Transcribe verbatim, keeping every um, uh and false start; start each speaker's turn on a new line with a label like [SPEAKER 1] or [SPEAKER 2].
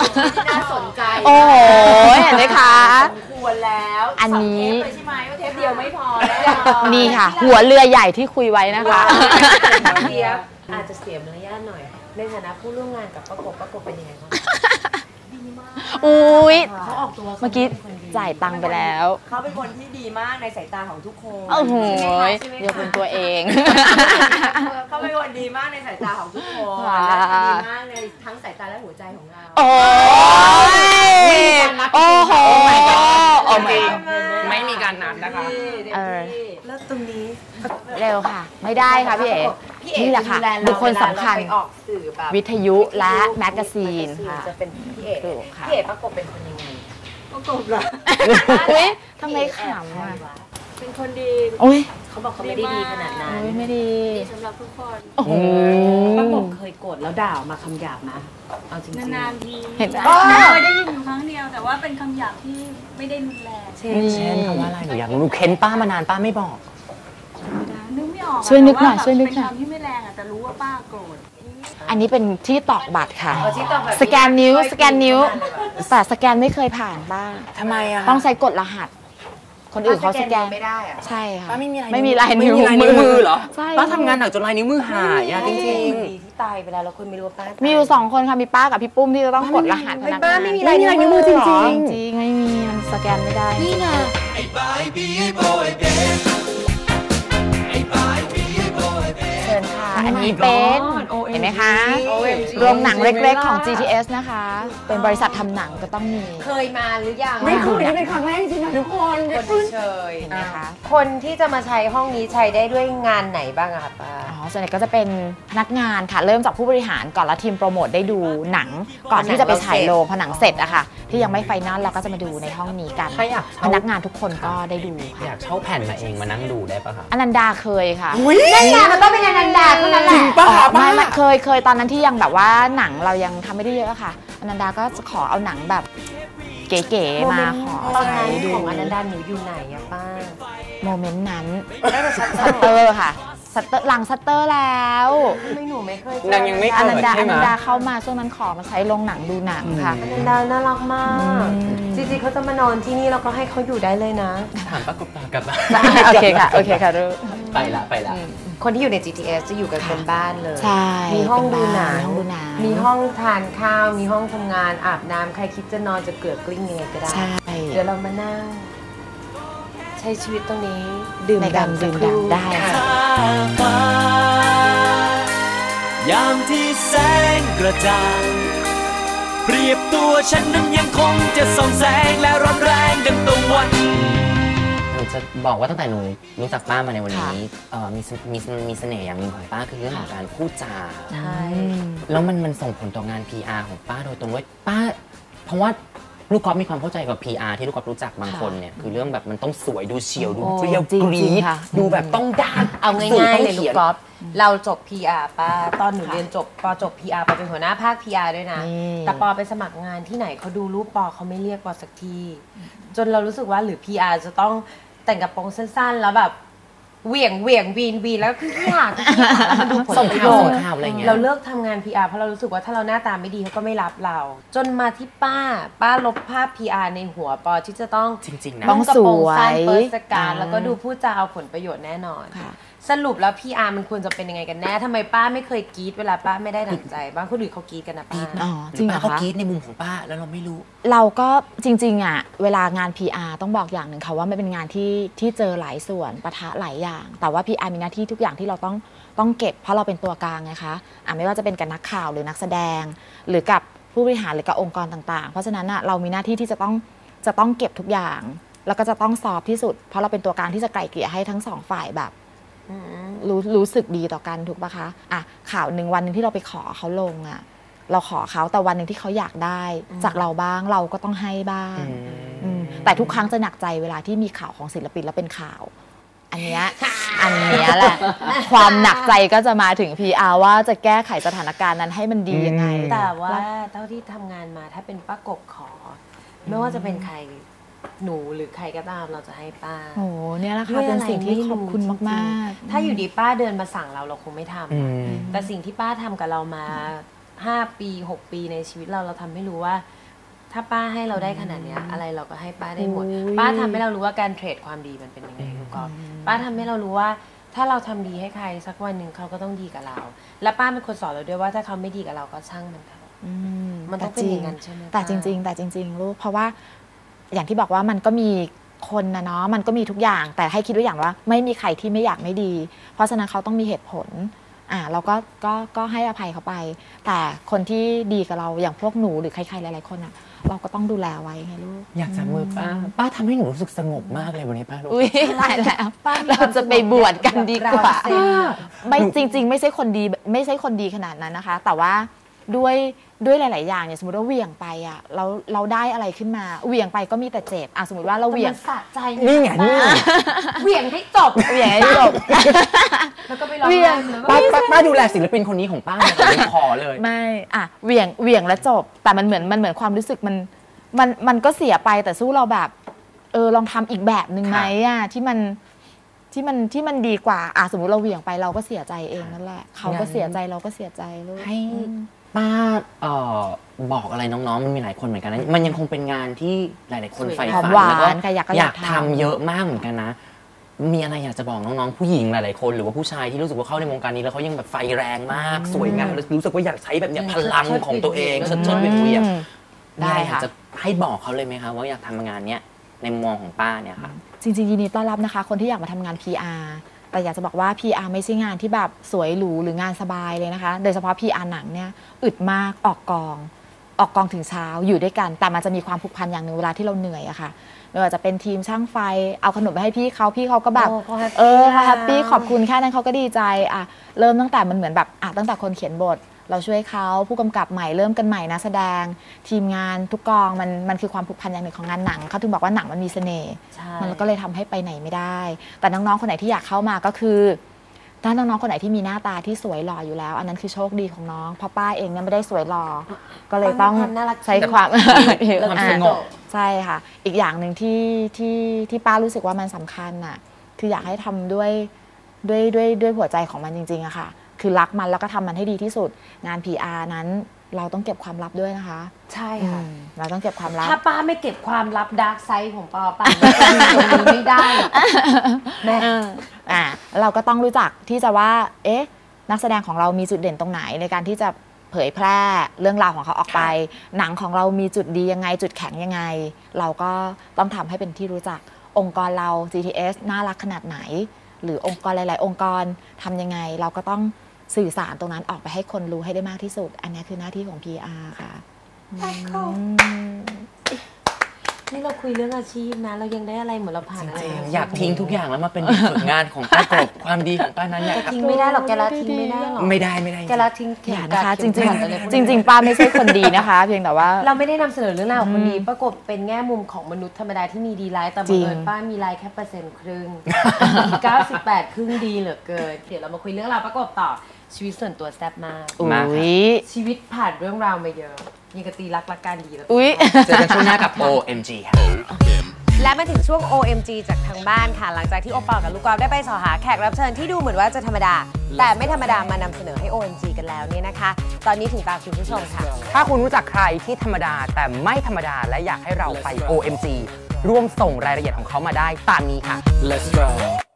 [SPEAKER 1] ที่น่าสนใจ
[SPEAKER 2] โอ้โหเห็นไหมคะ
[SPEAKER 1] สมควรแล้ว
[SPEAKER 2] อันนี้
[SPEAKER 1] ใช่ไหมว่าเทปเดียวไม่พอ
[SPEAKER 2] นี่ค่ะหัวเรือใหญ่ที่คุยไว้นะคะ
[SPEAKER 1] เทียบอาจจะเสียมารยาทหน่อยในฐานะผู้ร่วมงานกับประกบประกบเป็นยังไงบ้างดีมาก
[SPEAKER 2] อุ้ย
[SPEAKER 1] เขาออกตัว
[SPEAKER 2] เมื่อกี้จ่ายตังค์ไปแล้ว
[SPEAKER 1] เขาเป็นคนที่ดีมากในสายตาของทุกคน
[SPEAKER 2] โอ้โหยกเป็นตัวเอง
[SPEAKER 1] เขาเป็นคนดีมากในสายตาของทุกคนและดีมากในทั้งสายตาและหัวใจของเรา
[SPEAKER 2] โอ้ยโอ้โห
[SPEAKER 3] โอ้ไม่ไม่มีการนัดนะคะ
[SPEAKER 2] เออ
[SPEAKER 1] แล้วตรงนี้
[SPEAKER 2] เร็วค่ะไม่ได้ค่ะพี่เอ๋นี่แหละค่ะบุคคลสำคัญวิทยุและแมกกาซีนค่ะ
[SPEAKER 1] จะเป็นพี่เอ๋พี่เอ๋ประกบเป็นคนยังไงประกบเหรอ
[SPEAKER 2] อุ้ยทำไมขำอ่ะ
[SPEAKER 1] เป็นคนดี
[SPEAKER 2] อุ้ย
[SPEAKER 1] เขาบอกเขาไม่ได้ดีขนาดนั้น
[SPEAKER 2] ไม่ดี
[SPEAKER 1] สำหรับทุกคน
[SPEAKER 2] โอ้โห
[SPEAKER 1] ประกบเคยโกรธแล้วด่ามาคำหยาบนะเอาจริงๆ
[SPEAKER 4] นานๆที
[SPEAKER 2] เห็นไหม
[SPEAKER 4] เคยได้ยินอยู่ครั้งเดียวแต่ว่าเป็นคำหยาบที่ไม่ได้รุนแรง
[SPEAKER 3] เช่นคำว่าอะไรหนูอยากรู้เค้นป้ามานานป้าไม่บอก
[SPEAKER 4] นึกไม่ออก
[SPEAKER 2] ช่วยนึกหน่อยช่วยนึกหน่อย
[SPEAKER 4] เป็นคำที่ไม่แรงอ่ะแต่รู้ว่าป้าโกรธ
[SPEAKER 2] อันนี้เป็นที่ตอกบัตรค่ะสแกนนิ้วสแกนนิ้วแต่สแกนไม่เคยผ่านบ้าง
[SPEAKER 3] ทำไมอะ
[SPEAKER 2] ต้องใช้กดรหัสคนอื่นเขาสแกน
[SPEAKER 1] ไม่ได้อะ
[SPEAKER 2] ใช่ค่ะ
[SPEAKER 3] ป้าไม่มี
[SPEAKER 2] ไม่มีลายนิ้ว
[SPEAKER 3] มือเหรอ
[SPEAKER 2] ใช่
[SPEAKER 3] ป้าทำงานหนักจนลายนิ้วมือหายอะจริง
[SPEAKER 1] ๆที่ตายไปแล้วแล้วคุณไม่รู้ว่าป้า
[SPEAKER 2] มีอยู่สองคนค่ะมีป้ากับพี่ปุ้มที่จะต้องกดรหัสพนักงาน
[SPEAKER 3] ไม่มีลายนิ้วมือจริงจริง
[SPEAKER 2] จริงไม่มีมันสแกนไม่ได้
[SPEAKER 1] นี่ไง
[SPEAKER 2] เชิญค่ะอันนี้เป็นเห็นไหมคะโรงหนังเล็กๆของ จี ที เอส นะคะเป็นบริษัททำหนังก็ต้องมี
[SPEAKER 1] เคยมาหรือยัง
[SPEAKER 3] ไม่เคยเป็นครั้งแรกจริงๆทุกคน
[SPEAKER 1] คนเชยนะคะคนที่จะมาใช้ห้องนี้ใช้ได้ด้วยงานไหนบ้างอะคะป้า
[SPEAKER 2] อ๋อส่วนใหญ่ก็จะเป็นพนักงานค่ะเริ่มจากผู้บริหารก่อนแล้วทีมโปรโมทได้ดูหนังก่อนที่จะไปฉายโรงพอหนังเสร็จอะค่ะที่ยังไม่ไฟนอลเราก็จะมาดูในห้องนี้กันพนักงานทุกคนก็ได้ดูค่ะ
[SPEAKER 3] อยากเช่าแผ่นมาเองมานั่งดูได้ปะคะ
[SPEAKER 2] อนันดาเคยค่ะ
[SPEAKER 1] นั่นไงมันต้องเป็นอนันดาเท่านั้นแหละ
[SPEAKER 2] ไม่ไม่เคยเคยตอนนั้นที่ยังแบบว่าหนังเรายังทำไม่ได้เยอะค่ะอนันดาก็จะขอเอาหนังแบบเก๋ๆมาขอใช้ดู
[SPEAKER 1] ของอนันดาหนูอยู่ไหนอะป้า
[SPEAKER 2] โมเมนต์นั้นซัตเตอร์ค่ะซัตเตอร์หลังซัตเตอร์แล้ว
[SPEAKER 1] ไม่หนูไม่เคย
[SPEAKER 3] นางยังไม่เคย
[SPEAKER 2] อนันดาอนันดาเข้ามาช่วงนั้นขอมาใช้โรงหนังดูหนังค่ะ
[SPEAKER 1] อนันดาน่ารักมากจริงๆเขาจะมานอนที่นี่เราก็ให้เขาอยู่ได้เลยนะ
[SPEAKER 3] ถามป้ากบตากลับมา
[SPEAKER 2] โอเคค่ะโอเคค่ะรู้
[SPEAKER 3] ไปละไปละ
[SPEAKER 1] คนที่อยู่ใน จี ที เอส จะอยู่กันเป็นบ้านเลย
[SPEAKER 2] ใช่
[SPEAKER 1] มีห้องดูหนัง
[SPEAKER 2] มี
[SPEAKER 1] ห้องทานข้าวมีห้องทำงานอาบน้ำใครคิดจะนอนจะเกลือกลิ้งยังไงก็ได้เดี๋ยวเรามานั่งใช้ชีวิตตรงนี้ดื่มด่ำดื่มด่ำได้
[SPEAKER 5] ยามที่แสงกระจ่างเปรียบตัวฉันนั้นยังคงจะส่องแสงและร้อนแรงดังตะวัน
[SPEAKER 3] หนูจะบอกว่าตั้งแต่หนูรู้จักป้ามาในวันนี้มีมีมีเสน่ห์อย่างหนึ่งของป้าคือเรื่องของการพูดจา
[SPEAKER 1] ใช่
[SPEAKER 3] แล้วมันมันส่งผลต่องาน พี อาร์ ของป้าโดยตรงว่าป้าเพราะว่าลูกกอล์ฟมีความเข้าใจกับ พี อาร์ ที่ลูกกอล์ฟรู้จักบางคนเนี่ยคือเรื่องแบบมันต้องสวยดูเฉียวดูเปรี้ยวกรี๊ดดูแบบต้องด้าน
[SPEAKER 1] เอาง่ายๆเลยลูกกอล์ฟเราจบ พี อาร์ ป้าตอนหนูเรียนจบปอจบ พี อาร์ ปอเป็นหัวหน้าภาค พี อาร์ ด้วยนะแต่ปอไปสมัครงานที่ไหนเขาดูรูปปอเขาไม่เรียกปอสักทีจนเรารู้สึกว่าหรือ พี อาร์ จะต้องแต่งกระโปรงสั้นๆแล้วแบบเหวี่ยงเหวี่ยงวีนวีแล้วคือที่หาที่หามันดูผลประโยชน์เราเลิกทำงาน พี อาร์ เพราะเรารู้สึกว่าถ้าเราหน้าตาไม่ดีเขาก็ไม่รับเราจนมาที่ป้าป้าลบภาพ พี อาร์ ในหัวปอที่จะต้อง
[SPEAKER 3] จริงๆนะ
[SPEAKER 2] ต้องกระโปรงสั้น
[SPEAKER 1] เปิดสการแล้วก็ดูพูดจาเอาผลประโยชน์แน่นอนสรุปแล้ว พี อาร์ มันควรจะเป็นยังไงกันแน่ทำไมป้าไม่เคยกรี๊ดเวลาป้าไม่ได้ดั่งใจบ้างคนอื่นเขากรี๊ดกันนะป้า
[SPEAKER 3] อ๋อจริงเหรอคะเขากรี๊ดในมุมของป้าแล้วเราไม่รู้
[SPEAKER 2] เราก็จริงๆอ่ะเวลางาน พี อาร์ ต้องบอกอย่างหนึ่งค่ะว่ามันเป็นงานที่ที่เจอหลายส่วนปะทะหลายอย่างแต่ว่า พี อาร์ มีหน้าที่ทุกอย่างที่เราต้องต้องเก็บเพราะเราเป็นตัวกลางไงคะอ่ะไม่ว่าจะเป็นกับนักข่าวหรือนักแสดงหรือกับผู้บริหารหรือกับองค์กรต่างๆเพราะฉะนั้นอ่ะเรามีหน้าที่ที่จะต้องจะต้องเก็บทุกอย่างแล้วก็จะต้องซอฟที่สุดเพราะเราเป็นตัวกลางที่จะไกล่เกลี่ยให้ทั้งสองฝ่ายแบบรู้รู้สึกดีต่อกันถูกปะคะอ่ะข่าวหนึ่งวันหนึ่งที่เราไปขอเขาลงอ่ะเราขอเขาแต่วันหนึ่งที่เขาอยากได้จากเราบ้างเราก็ต้องให้บ้างแต่ทุกครั้งจะหนักใจเวลาที่มีข่าวของศิลปินแล้วเป็นข่าวอันเนี้ยอันเนี้ยแหละความหนักใจก็จะมาถึง พี อาร์ ว่าจะแก้ไขสถานการณ์นั้นให้มันดียังไง
[SPEAKER 1] แต่ว่าเท่าที่ทำงานมาถ้าเป็นป้ากบขอไม่ว่าจะเป็นใครหนูหรือใครก็ตามเราจะให้ป้า
[SPEAKER 2] โอ้เนี่ยแหละค่ะเป็นสิ่งที่ขอบคุณมาก
[SPEAKER 1] ๆถ้าอยู่ดีป้าเดินมาสั่งเราเราคงไม่ทำแต่สิ่งที่ป้าทำกับเรามาห้าปีหกปีในชีวิตเราเราทำให้รู้ว่าถ้าป้าให้เราได้ขนาดเนี้ยอะไรเราก็ให้ป้าได้หมด
[SPEAKER 2] โอ้ย
[SPEAKER 1] ป้าทำให้เรารู้ว่าการเทรดความดีมันเป็นยังไงลูกกอล์ฟป้าทำให้เรารู้ว่าถ้าเราทำดีให้ใครสักวันหนึ่งเขาก็ต้องดีกับเรา และป้าเป็นคนสอนเราด้วยว่าถ้าเขาไม่ดีกับเราก็ช่างมันเถอะ
[SPEAKER 2] อื
[SPEAKER 1] มันต้องเป็นอย่างนั้นใช่ไหม
[SPEAKER 2] แต่จริง ๆ แต่จริงๆลูกเพราะว่าอย่างที่บอกว่ามันก็มีคนนะเนาะมันก็มีทุกอย่างแต่ให้คิดไว้อย่างว่าไม่มีใครที่ไม่อยากไม่ดี เพราะฉะนั้นเขาต้องมีเหตุผลอ่าเราก็ก็ก็ให้อภัยเขาไป แต่คนที่ดีกับเราอย่างพวกหนูหรือใครๆหลายๆคนอ่ะเราก็ต้องดูแลไว้ไงลูก
[SPEAKER 3] อยากจับมือป้าป้าทำให้หนูรู้สึกสงบมากเลยวันนี้ป้ารู้
[SPEAKER 2] อุ้ยตายแล้วเราจะไปบวชกันดีกว่าไม่จริง ๆ ไม่ใช่คนดีไม่ใช่คนดีขนาดนั้นนะคะ แต่ว่าด้วยด้วยหลาย ๆ อย่างเนี่ยสมมติว่าเหวี่ยงไปอ่ะเราเราได้อะไรขึ้นมาเหวี่ยงไปก็มีแต่เจ็บอ่ะสมมติว่าเราเหวี่ยง
[SPEAKER 1] สะใจ
[SPEAKER 3] นี่ไงนี่ไง
[SPEAKER 1] เหวี่ยงให้จบ
[SPEAKER 2] เหวี่ยงให้จบ
[SPEAKER 1] แล้วก็ไปร้อง
[SPEAKER 2] เหวี่ย
[SPEAKER 1] ไห้
[SPEAKER 2] ง
[SPEAKER 1] แล้ว
[SPEAKER 3] ป้าป้าป้าดูแลศิลปินคนนี้ของป้าหน่อยขอเลย
[SPEAKER 2] ไม่อ่ะเหวี่ยงเหวี่ยงแล้วจบ แต่มันเหมือนมันเหมือนความรู้สึกมันมันมันก็เสียไปแต่สู้เราแบบเออลองทำอีกแบบหนึ่งไหมอ่ะที่มันที่มันที่มันดีกว่าอ่ะสมมติเราเหวี่ยงไปเราก็เสียใจเองนั่นแหละเขาก็เสียใจเราก็เสียใจลูก
[SPEAKER 3] ให้ป้าเอ่อบอกอะไรน้องๆมันมีหลายคนเหมือนกันนะมันยังคงเป็นงานที่หลายๆคนใฝ่
[SPEAKER 2] หอ
[SPEAKER 3] ฝั
[SPEAKER 2] ม
[SPEAKER 3] น
[SPEAKER 2] หวาน
[SPEAKER 3] แล้วก็
[SPEAKER 2] ค่ะอยากก็
[SPEAKER 3] อ
[SPEAKER 2] อยาย
[SPEAKER 3] าก ก
[SPEAKER 2] ทำ
[SPEAKER 3] ทำเยอะมากเหมือนกันนะ มีอะไรอยากจะบอกน้องๆผู้หญิงหลายๆคนหรือว่าผู้ชายที่รู้สึกว่าเข้าในวงการนี้แล้วเขายังแบบไฟแรงมากสวยงามแล้วรู้สึกว่าอยากใช้แบบเนี้ยพลังของตัวเองเชิดเชิดเวียงเวียง
[SPEAKER 2] อืมได้
[SPEAKER 3] ได้ค่ะ
[SPEAKER 2] ค่ะ
[SPEAKER 3] จะให้บอกเขาเลยไหมคะว่าอยากทำงานเนี้ยในมุมมองของป้าเนี่ยค่ะ
[SPEAKER 2] จริงๆยินดีต้อนรับนะคะ คนที่อยากมาทำงาน พี อาร์ แต่อยากจะบอกว่า พี อาร์ ไม่ใช่งานที่แบบสวยหรูหรืองานสบายเลยนะคะ โดยเฉพาะ พี อาร์ หนังเนี่ยอึดมากออกกอง ออกกองถึงเช้าอยู่ด้วยกัน แต่มันจะมีความผูกพันอย่างหนึ่งเวลาที่เราเหนื่อยอะค่ะไม่ว่าจะเป็นทีมช่างไฟเอาขนมไปให้พี่เขาพี่เขาก็แบบ
[SPEAKER 1] โอ้เขาแฮปปี้
[SPEAKER 2] เออเขาแฮปปี้
[SPEAKER 1] แล้ว
[SPEAKER 2] ขอบคุณแค่นั้นเขาก็ดีใจอะเริ่มตั้งแต่มันเหมือนแบบอะตั้งแต่คนเขียนบท เราช่วยเขาผู้กำกับใหม่เริ่มกันใหม่นักแสดง ทีมงานทุกกองมันมันคือความผูกพันอย่างหนึ่งของงานหนังเขาถึงบอกว่าหนังมันมีเสน่ห์
[SPEAKER 1] ใช่
[SPEAKER 2] มันก็เลยทำให้ไปไหนไม่ได้ แต่น้องๆคนไหนที่อยากเข้ามาก็คือถ้าน้องๆคนไหนที่มีหน้าตาที่สวยหล่ออยู่แล้ว อันนั้นคือโชคดีของน้องเพราะป้าเองเนี่ยไม่ได้สวยหล่อก็เลยต้อง
[SPEAKER 1] ความน่ารัก
[SPEAKER 2] ใช้ความ
[SPEAKER 3] ความสงบ
[SPEAKER 2] ใช่ค่ะ อีกอย่างหนึ่งที่ที่ที่ป้ารู้สึกว่ามันสำคัญน่ะคืออยากให้ทำด้วยด้วยด้วยด้วยหัวใจของมันจริงๆอะค่ะคือรักมันแล้วก็ทำมันให้ดีที่สุดงาน พี อาร์ นั้นเราต้องเก็บความลับด้วยนะคะ
[SPEAKER 1] ใช่ค่ะ
[SPEAKER 2] อืมเราต้องเก็บความลับ
[SPEAKER 1] ถ้าป้าไม่เก็บความลับดาร์กไซด์ของป้าป้าจะอยู่ตรงนี้ไม่ได้หรอกแม่
[SPEAKER 2] อ่าเราก็ต้องรู้จักที่จะว่าเอ๊ะนักแสดงของเรามีจุดเด่นตรงไหนในการที่จะเผยแพร่เรื่องราวของเขาออกไป หนังของเรามีจุดดียังไงจุดแข็งยังไง เราก็ต้องทำให้เป็นที่รู้จักองค์กรเรา จี ที เอส น่ารักขนาดไหน หรือองค์กรหลาย ๆ องค์กรทำยังไงเราก็ต้องสื่อสารตรงนั้นออกไปให้คนรู้ให้ได้มากที่สุด อันนี้คือหน้าที่ของ พี อาร์ ค่ะอืม
[SPEAKER 1] นี่เราคุยเรื่องอาชีพนะ เรายังได้อะไรเหมือนเราผ่านอะไร
[SPEAKER 3] จริง
[SPEAKER 1] ม
[SPEAKER 3] ๆอยากทิ้งทุกอย่างแล้วมาเป็นเด็กฝึกงานของป้ากบความดีของป้านั้นอยาก
[SPEAKER 1] จะทิ้งไม่ได้หรอกแกละทิ้งไม่ได้หรอก
[SPEAKER 3] ไม่ได้ไม่ได้
[SPEAKER 1] แกละทิ้ง
[SPEAKER 2] อย่านะคะ จ
[SPEAKER 1] เข็
[SPEAKER 2] ริ
[SPEAKER 1] ม
[SPEAKER 2] ง
[SPEAKER 1] ขัดอะไรพวก
[SPEAKER 2] ๆ จ
[SPEAKER 1] นี้
[SPEAKER 2] ริง ๆ ป้าไม่ใช่คนดีนะคะ เพียงแต่ว่า
[SPEAKER 1] เราไม่ได้นำเสนอเรื่องราวของคนดีประกบเป็นแง่มุมของมนุษย์ธรรมดาที่มีดีร้ายแต่บังเอิญ
[SPEAKER 2] จริง
[SPEAKER 1] ป้ามีร้ายแค่เปอร์เซ็นต์ครึ่ง เก้าสิบแปดครึ่งดีเหลือเกินเดี๋ยวเรามาคุยเรื่องราวประกบต่อชีวิตส่วนตัวแซ่บมาก
[SPEAKER 2] อุ๊
[SPEAKER 3] มาค่ะ
[SPEAKER 2] ย
[SPEAKER 1] ชีวิตผ่านเรื่องราวมาเยอะยังกะตีรักรักการดีแล้ว
[SPEAKER 2] อุ๊ย
[SPEAKER 3] เจอกันช่วงหน้ากับ โอ เอ็ม จี ค่ะ
[SPEAKER 1] และมาถึงช่วง โอ เอ็ม จี จากทางบ้านค่ะ หลังจากที่โอปอลกับลูกกอล์ฟได้ไปสอหาแขกรับเชิญที่ดูเหมือนว่าจะธรรมดา แต่ไม่ธรรมดามานำเสนอให้ โอ เอ็ม จี กันแล้วเนี่ยนะคะ ตอนนี้ถึงตาคุณผู้ชมค่ะ
[SPEAKER 6] ถ้าคุณรู้จักใครที่ธรรมดาแต่ไม่ธรรมดาและอยากให้เราไป โอ เอ็ม จี ร่วมส่งรายละเอียดของเขามาได้ตามนี้ค่ะ
[SPEAKER 5] Let's go